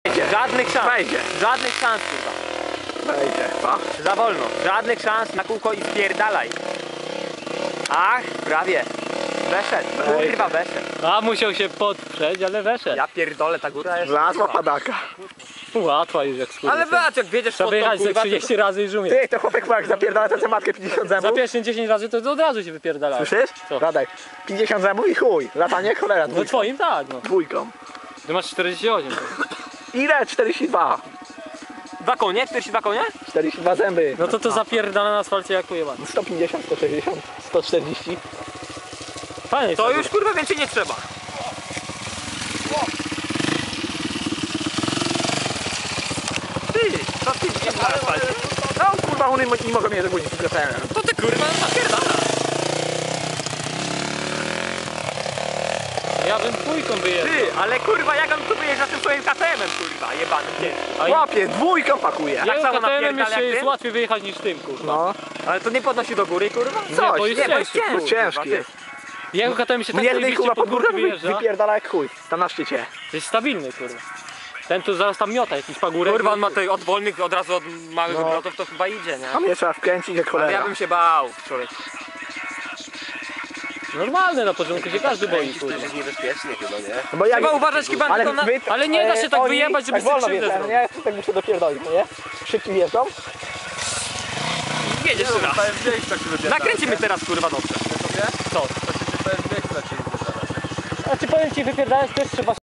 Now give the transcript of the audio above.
Żadnych szans. Wejdzie. Żadnych szans, kurwa. Wejdzie, pa. Za wolno. Żadnych szans na kółko i spierdalaj. Ach, prawie. Weszedł. Kurwa, weszedł. A musiał się podprzeć, ale weszedł. Ja pierdolę, ta góra jest... Wlazła padaka. Łatwa już jak skóra. Ale patrz, jak wiedziesz Trzeba pod tą, wyjechać ze kurwa, 30 razy i żumie. Ty, to chłopak jak zapierdala tę matkę 50 Za zębów. pierwszym 10 razy to od razu się wypierdala. Słyszysz? Co? Radek, 50 zębów i chuj. Latanie jak cholera No dwójką. twoim tak, no. Dwójką. Ty masz 48. Ile? 42. 2 konie? 42 konie? 42 zęby. No to zapierdala na asfalcie jak pojebany. 150, 160, 140. Fajnie To już kurwa więcej nie trzeba. Ty, co ty widzisz na asfalcie? No kurwa, one nie mogą mnie dogonić z KTM. To ty kurwa napierdala. Ja bym dwójką wyjechał. Ty, ale kurwa jak on tu wyjeżdża tym swoim KTM-em, kurwa, jebanym ciężkim. Łapie, dwójką pakuje. Jak Jak samo KTM napierdala jeszcze jak jest ty? łatwiej wyjechać niż tym, kurwa. No. Ale to nie podnosi do góry, kurwa? Nie, bo jest Nie, bo jest ciężki. ciężki, Ciężki kurwa, jest. Jego KTM się tak Jednej zajebiście kurwa pod pod górkę górki wyjeżdża. wypierdala jak chuj. Tam na szczycie. To jest stabilny, kurwa. Ten tu zaraz tam miota jakiś pagórek. Kurwa, on ma tutaj od wolnych, od razu od małych No. obrotów, to chyba idzie, nie? A mnie trzeba wkręcić jak Ale cholera. ja bym się bał, człowiek. Normalne na początku się każdy boi, kurwa. niebezpiecznie chyba, nie? No bo jak... Trzeba uważać chyba tylko na... Ale nie da się tak wyjebać, żeby tak wolno sobie krzywdę wjeżdżają, nie? Tak muszę dopierdolić, no nie? Szybciej wjeżdżą. Jedziesz teraz. Nakręcimy teraz, kurwa, dobrze. Co? To się powiem, jak zaczęli wydawać. Znaczy powiem ci, wypierdalać też trzeba